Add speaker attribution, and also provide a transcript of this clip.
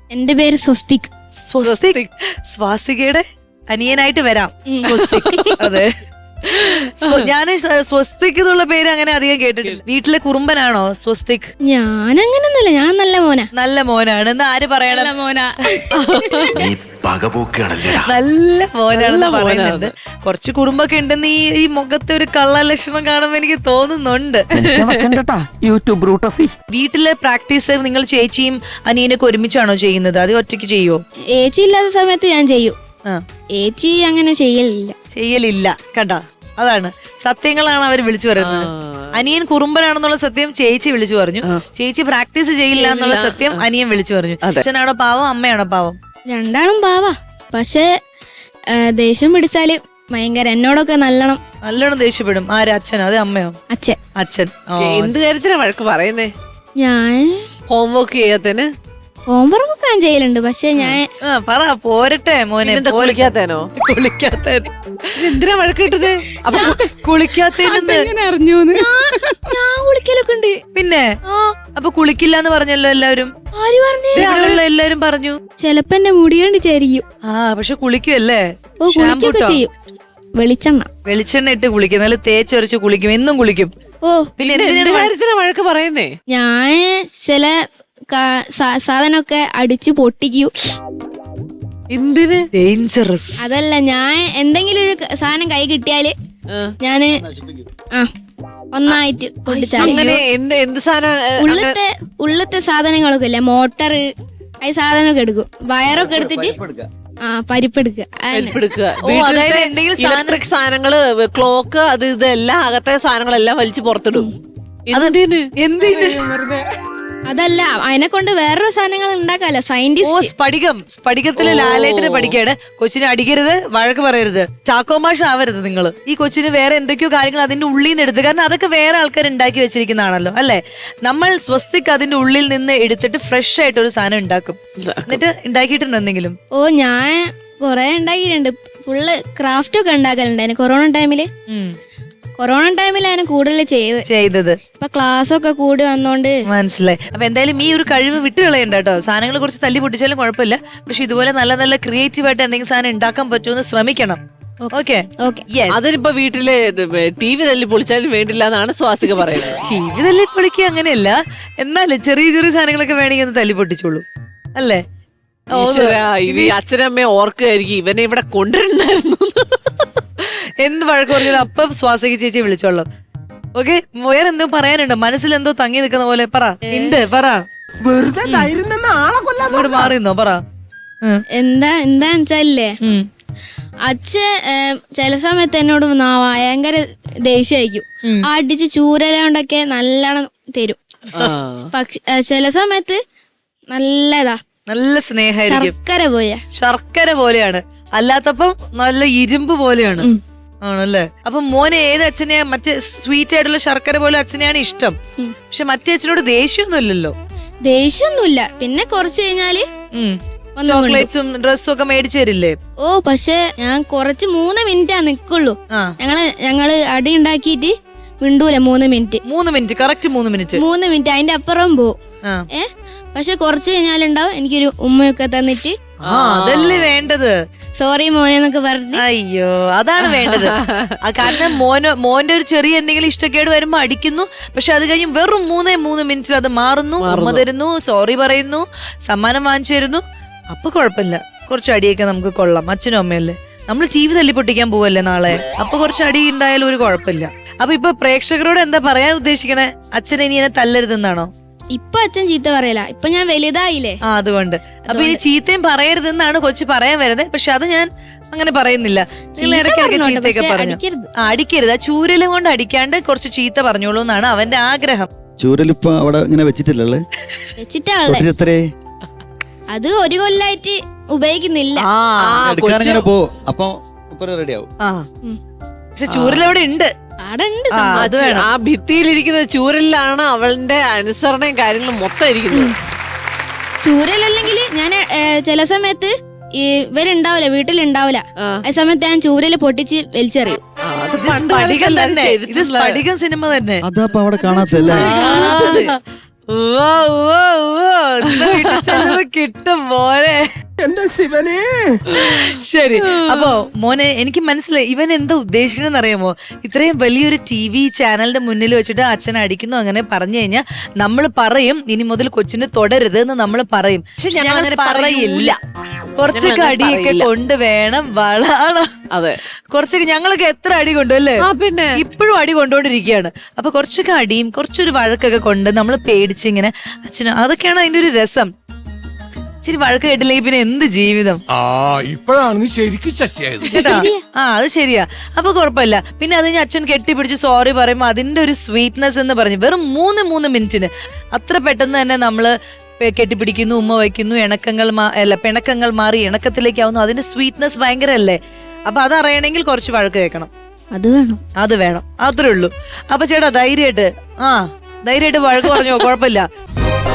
Speaker 1: എന്റെ പേര് സ്വസ്തിക്.
Speaker 2: സ്വാസികയുടെ അനിയനായിട്ട് വരാം. സ്വസ്തിക്. അതെ, ഞാൻ സ്വസ്തിക് എന്നുള്ള പേര് അങ്ങനെ അധികം കേട്ടിട്ടില്ല. വീട്ടിലെ കുറുമ്പനാണോ സ്വസ്തിക്?
Speaker 1: ഞാൻ അങ്ങനൊന്നുമില്ല, ഞാൻ നല്ല മോനാ.
Speaker 2: നല്ല മോനാണ് എന്ന് ആര് പറയണം?
Speaker 1: നല്ല മോനാ.
Speaker 2: നല്ല മോനാണെന്ന് പറയുന്നുണ്ട്. കുറച്ച് കുറുമ്പൊക്കെ ഉണ്ടെന്ന് ഈ മുഖത്തെ ഒരു കള്ള ലക്ഷണം കാണുമ്പോ എനിക്ക് തോന്നുന്നുണ്ട്. വീട്ടിലെ പ്രാക്ടീസ് നിങ്ങൾ ചേച്ചിയും അനിയനൊക്കെ ഒരുമിച്ചാണോ ചെയ്യുന്നത്? അത് ഒറ്റയ്ക്ക് ചെയ്യുവോ?
Speaker 1: ഏച്ചി ഇല്ലാത്ത സമയത്ത് ഞാൻ ചെയ്യും. ഏച്ചി അങ്ങനെ ചെയ്യലില്ല.
Speaker 2: കണ്ട, അതാണ് സത്യങ്ങളാണ് അവർ വിളിച്ചു പറയുന്നത്. അനിയൻ കുറുമ്പനാണെന്നുള്ള സത്യം ചേച്ചി വിളിച്ചു പറഞ്ഞു. ചേച്ചി പ്രാക്ടീസ് ചെയ്യില്ല എന്നുള്ള സത്യം അനിയൻ വിളിച്ചു പറഞ്ഞു. അച്ഛനാണോ പാവം, അമ്മയാണോ പാവം?
Speaker 1: രണ്ടാളും പാവാ. പക്ഷെ ദേഷ്യം പിടിച്ചാല് ഭയങ്കര എന്നോടൊക്കെ നല്ലോണം
Speaker 2: ദേഷ്യപ്പെടും. ആര്, അച്ഛനോ അതെ അമ്മയോ? അച്ഛൻ.
Speaker 3: എന്ത് കാര്യത്തിനാ വഴക്ക് പറയുന്നേ?
Speaker 1: ഞാൻ
Speaker 3: ഹോംവർക്ക് ചെയ്യാത്തന്
Speaker 1: ഹോംവർക്ക് ഒക്കെ ഞാൻ ചെയ്യലുണ്ട്. പക്ഷെ ഞാൻ
Speaker 2: പറ പോരട്ടെ മോനെ.
Speaker 3: കുളിക്കാത്തേനോ? എന്തിനാ വഴക്ക് കിട്ടത്? അപ്പൊ
Speaker 2: കുളിക്കാത്തേനെന്ന്
Speaker 1: അറിഞ്ഞു. ഞാൻ കുളിക്കലൊക്കെ ഉണ്ട്.
Speaker 2: പിന്നെ അപ്പൊ കുളിക്കില്ല എന്ന് പറഞ്ഞല്ലോ എല്ലാവരും.
Speaker 1: ആര് പറഞ്ഞു?
Speaker 2: എല്ലാരും പറഞ്ഞു.
Speaker 1: ചെലപ്പോ എന്റെ മുടി കണ്ടിട്ടായിരിക്കും.
Speaker 2: പക്ഷെ കുളിക്കുമല്ലേ?
Speaker 1: ഓ, കുളിക്കൊക്കെ ചെയ്യും.
Speaker 2: വെളിച്ചെണ്ണ ഇട്ട് കുളിക്കും, നല്ല തേച്ചൊരച്ച് കുളിക്കും, എന്നും കുളിക്കും.
Speaker 1: ഓ,
Speaker 2: പിന്നെ
Speaker 3: എന്ത് കാര്യത്തിനാ വഴക്ക് പറയുന്നേ?
Speaker 1: ഞാൻ ചില സാധനമൊക്കെ അടിച്ച് പൊട്ടിക്കൂ.
Speaker 3: എന്തിന്?
Speaker 2: ഡേഞ്ചറസ്.
Speaker 1: അതല്ല, ഞാൻ എന്തെങ്കിലും ഒരു സാധനം കൈ കിട്ടിയാല് ഞാന് ഒന്നായിട്ട് പൊട്ടിച്ചാല്.
Speaker 3: അങ്ങനെ എന്ത് സാധനം?
Speaker 1: ഉള്ളത്തെ സാധനങ്ങളൊക്കെ ഇല്ലേ, മോട്ടർ, ഈ സാധനമൊക്കെ എടുക്കും. വയറൊക്കെ എടുത്തിട്ട് പരിപ്പെടുക്കുക.
Speaker 3: ഇലക്ട്രിക് സാധനങ്ങള്, ക്ലോക്ക്, അത് ഇതെല്ലാം അകത്തെ സാധനങ്ങളെല്ലാം വലിച്ചു പുറത്തിടും. എന്തിന്?
Speaker 1: അതല്ല, അതിനെ കൊണ്ട് വേറൊരു സാധനങ്ങൾ ഉണ്ടാക്കാലോ. സയന്റിസ്റ്റ്.
Speaker 2: സ്ഫടികത്തിലെ ലാലേട്ടനെ പഠിക്കാണ്. കൊച്ചിനെ അടിക്കരുത്, വഴക്ക് പറയരുത്, ചാക്കോമാഷ ആവരുത് നിങ്ങൾ. ഈ കൊച്ചിന് വേറെ എന്തൊക്കെയോ കാര്യങ്ങൾ അതിന്റെ ഉള്ളിൽ നിന്ന് എടുത്ത്, കാരണം അതൊക്കെ വേറെ ആൾക്കാർ ഉണ്ടാക്കി വെച്ചിരിക്കുന്നതാണല്ലോ അല്ലെ. നമ്മൾ സ്വസ്തിക്ക് അതിന്റെ ഉള്ളിൽ നിന്ന് എടുത്തിട്ട് ഫ്രഷ് ആയിട്ട് ഒരു സാധനം ഉണ്ടാക്കും. എന്നിട്ട് ഉണ്ടാക്കിയിട്ടുണ്ടോ എന്തെങ്കിലും?
Speaker 1: ഓ, ഞാൻ കൊറേ ഉണ്ടാക്കിയിട്ടുണ്ട്. ഫുള്ള് ക്രാഫ്റ്റ് ഒക്കെ ഉണ്ടാക്കലുണ്ടായിരുന്നു കൊറോണ ടൈമിലാണ് കൂടുതൽ ചെയ്തത്. ഇപ്പൊ ക്ലാസ് ഒക്കെ കൂടി വന്നോണ്ട്
Speaker 2: മനസ്സിലായി. അപ്പൊ എന്തായാലും ഈ ഒരു കഴിവ് വിട്ട് കളയണ്ട കേട്ടോ. സാധനങ്ങൾ കുറച്ച് തല്ലി പൊട്ടിച്ചാലും കുഴപ്പമില്ല. പക്ഷെ ഇതുപോലെ നല്ല നല്ല ക്രിയേറ്റീവ് ആയിട്ട് എന്തെങ്കിലും സാധനം ഉണ്ടാക്കാൻ പറ്റുമെന്ന് ശ്രമിക്കണം. ഓക്കെ.
Speaker 3: അതിനിപ്പോ വീട്ടില് TV തല്ലി പൊളിച്ചാലും വേണ്ടില്ല എന്നാണ് സ്വാസിക പറയുന്നത്.
Speaker 2: TV തല്ലി പൊളിക്കുക അങ്ങനെയല്ല, എന്നാലും ചെറിയ ചെറിയ സാധനങ്ങളൊക്കെ വേണമെങ്കിൽ ഒന്ന് തല്ലി പൊട്ടിച്ചോളൂ അല്ലേ.
Speaker 3: അച്ഛനമ്മയെ ഓർക്കുകയായിരിക്കും ഇവനെ ഇവിടെ കൊണ്ടുവരണ്ടായിരുന്നു.
Speaker 2: എന്ത് വഴക്ക് പറഞ്ഞാലും അപ്പം സ്വാസിക ചേച്ചി വിളിച്ചോളാം. ഓക്കെ, വേറെ എന്തോ പറയാനുണ്ടോ? മനസ്സിൽ എന്തോ തങ്ങി നിൽക്കുന്ന പോലെ പറ. പറ, വെറുതെ മാറിന്നോ പറ.
Speaker 1: എന്താന്ന് വെച്ചാലേ, അച്ഛൻ ചില സമയത്ത് എന്നോട് ഭയങ്കര ദേഷ്യമായിരിക്കും. അടിച്ച് ചൂരലോണ്ടൊക്കെ നല്ലോണം തരും. പക്ഷെ ചില സമയത്ത് നല്ല
Speaker 2: സ്നേഹമായിരിക്കും. ശർക്കര പോലെയാണ്, അല്ലാത്തപ്പം നല്ല ഇരുമ്പ് പോലെയാണ്. ആണല്ലേ. അപ്പൊ മോനെ ഏത് അച്ഛനെയാ? മറ്റേ സ്വീറ്റ് ആയിട്ടുള്ള ശർക്കര പോലെ അച്ഛനെയാണ് ഇഷ്ടം. പക്ഷെ മറ്റേ അച്ഛനോട്
Speaker 1: ദേഷ്യമൊന്നുമില്ല. പിന്നെ കുറച്ച് കഴിഞ്ഞാല്
Speaker 2: ചോക്ലേറ്റ്സും ഡ്രസ്സും ഒക്കെ മേടിച്ചു തരില്ലേ?
Speaker 1: ഓ, പക്ഷെ ഞാൻ കുറച്ച് 3 മിനിറ്റാ നിക്കുള്ളൂ. ഞങ്ങള് അടി ഉണ്ടാക്കിയിട്ട് മിണ്ടൂല. 3 മിനിറ്റ്
Speaker 2: കറക്റ്റ് 3
Speaker 1: മിനിറ്റ് അതിന്റെ അപ്പുറം പോവും. പക്ഷെ കുറച്ച് കഴിഞ്ഞാലുണ്ടാവും എനിക്കൊരു ഉമ്മയൊക്കെ തന്നിട്ട്
Speaker 2: അതല്ലേ വേണ്ടത്.
Speaker 1: സോറി മോനെ എന്നൊക്കെ പറഞ്ഞു.
Speaker 2: അയ്യോ, അതാണ് വേണ്ടത്. കാരണം മോന്റെ ഒരു ചെറിയ എന്തെങ്കിലും ഇഷ്ടക്കേട് വരുമ്പോ അടിക്കുന്നു. പക്ഷെ അത് കഴിഞ്ഞ് വെറും 3 മിനിറ്റിൽ അത് മാറുന്നു. ഉമ്മ തരുന്നു, സോറി പറയുന്നു, സമ്മാനം വാങ്ങിച്ചു തരുന്നു. അപ്പൊ കുഴപ്പമില്ല, കുറച്ച് അടിയൊക്കെ നമുക്ക് കൊള്ളാം. അച്ഛനും അമ്മയല്ലേ, നമ്മൾ TV തല്ലിപ്പൊട്ടിക്കാൻ പോവല്ലേ നാളെ. അപ്പൊ കുറച്ച് അടി ഉണ്ടായാലും ഒരു കുഴപ്പമില്ല. അപ്പൊ ഇപ്പൊ പ്രേക്ഷകരോട് എന്താ പറയാൻ ഉദ്ദേശിക്കണേ? അച്ഛനെ ഇനി എന്നെ തല്ലരുതെന്നാണോ?
Speaker 1: ഇപ്പൊ അച്ഛൻ ചീത്ത പറയല, ഇപ്പൊ ഞാൻ വലുതായില്ലേ.
Speaker 2: അതുകൊണ്ട് അപ്പൊ ഇനി ചീത്തയും പറയരുതെന്നാണ് കൊച്ചു പറയാൻ വരുന്നത്. പക്ഷെ അത് ഞാൻ അങ്ങനെ പറയുന്നില്ല. ഇടയ്ക്കിടയ്ക്ക് ചീത്തയൊക്കെ പറഞ്ഞു. അടിക്കരുത്, ആ ചൂരലും കൊണ്ട് അടിക്കാണ്ട് കുറച്ച് ചീത്ത പറഞ്ഞോളൂ എന്നാണ് അവന്റെ ആഗ്രഹം.
Speaker 4: ചൂരലിപ്പോ അവിടെ ഇങ്ങനെ വെച്ചിട്ടില്ലല്ലേ?
Speaker 1: വെച്ചിട്ടാ അത് ഒരു കൊല്ലായിട്ട് ഉപയോഗിക്കുന്നില്ല.
Speaker 2: പക്ഷെ ചൂരലവിടെ ഉണ്ട്.
Speaker 3: ആ ഭിത്തിയിലിരിക്കുന്ന ചൂരലിലാണ് അവളുടെ അനുസരണയും കാര്യങ്ങളും മൊത്തം ഇരിക്കുന്നത്.
Speaker 1: ചൂരലല്ലെങ്കിൽ ഞാൻ ചില സമയത്ത് ഇവരുണ്ടാവില്ല, വീട്ടിലുണ്ടാവില്ല. ആ സമയത്ത് ഞാൻ ചൂരല് പൊട്ടിച്ച് വലിച്ചെറിയും.
Speaker 2: സിനിമ തന്നെ.
Speaker 4: അതപ്പോ അവിടെ കാണാത്തല്ലേ?
Speaker 2: ഉവ്വ, ഉവ്വ, ഉവ്വ. ഇന്ന് വീട്ടിൽ ചെല്ലുമ്പോ കിട്ടും മോനെ. ശരി, അപ്പൊ മോനെ എനിക്ക് മനസ്സിലായി ഇവൻ എന്താ ഉദ്ദേശിക്കണെന്ന് അറിയാമോ? ഇത്രയും വലിയൊരു TV ചാനലിന്റെ മുന്നിൽ വെച്ചിട്ട് അച്ഛൻ അടിക്കുന്നു അങ്ങനെ പറഞ്ഞു കഴിഞ്ഞാൽ നമ്മൾ പറയും ഇനി മുതൽ കൊച്ചിന് തുടരുത് എന്ന് നമ്മൾ പറയും.
Speaker 3: പക്ഷെ ഞങ്ങൾ അങ്ങനെ പറയില്ല.
Speaker 2: കുറച്ചൊക്കെ അടിയൊക്കെ കൊണ്ട് വേണം വളരണം.
Speaker 3: അതെ,
Speaker 2: കുറച്ചൊക്കെ ഞങ്ങളൊക്കെ എത്ര അടി കൊണ്ടു അല്ലേ?
Speaker 3: പിന്നെ
Speaker 2: ഇപ്പോഴും അടി കൊണ്ടോണ്ടിരിക്കുകയാണ്. അപ്പൊ കുറച്ചൊക്കെ അടിയും കുറച്ചൊരു വഴക്കൊക്കെ കൊണ്ട് നമ്മൾ പേടിച്ചിങ്ങനെ അച്ഛന് അതൊക്കെയാണ് അതിന്റെ ഒരു രസം. ഇച്ചിരി വഴക്ക് കേട്ടില്ലെങ്കിൽ പിന്നെ എന്ത് ജീവിതം.
Speaker 5: ഇപ്പോഴാണ് ശരിക്കും ശശിയായത്
Speaker 2: കേട്ടാ? അത് ശരിയാ. അപ്പൊ കുഴപ്പമില്ല. പിന്നെ അത് കഴിഞ്ഞ് അച്ഛൻ കെട്ടിപ്പിടിച്ച് സോറി പറയുമ്പോ അതിന്റെ ഒരു സ്വീറ്റ്നെസ് എന്ന് പറഞ്ഞ് വെറും 3 മിനിറ്റിന് അത്ര പെട്ടെന്ന് തന്നെ നമ്മള് കെട്ടിപ്പിടിക്കുന്നു, ഉമ്മ വയ്ക്കുന്നു, പിണക്കങ്ങൾ മാറി ഇണക്കത്തിലേക്കാവുന്നു. അതിന്റെ സ്വീറ്റ്നെസ് ഭയങ്കര അല്ലേ? അപ്പൊ അതറിയണമെങ്കിൽ കുറച്ച് വഴക്ക് കേൾക്കണം. അത് വേണം, അത്രേ ഉള്ളൂ. അപ്പൊ ചേട്ടാ ധൈര്യമായിട്ട് വഴക്ക് പറഞ്ഞോ, കുഴപ്പമില്ല.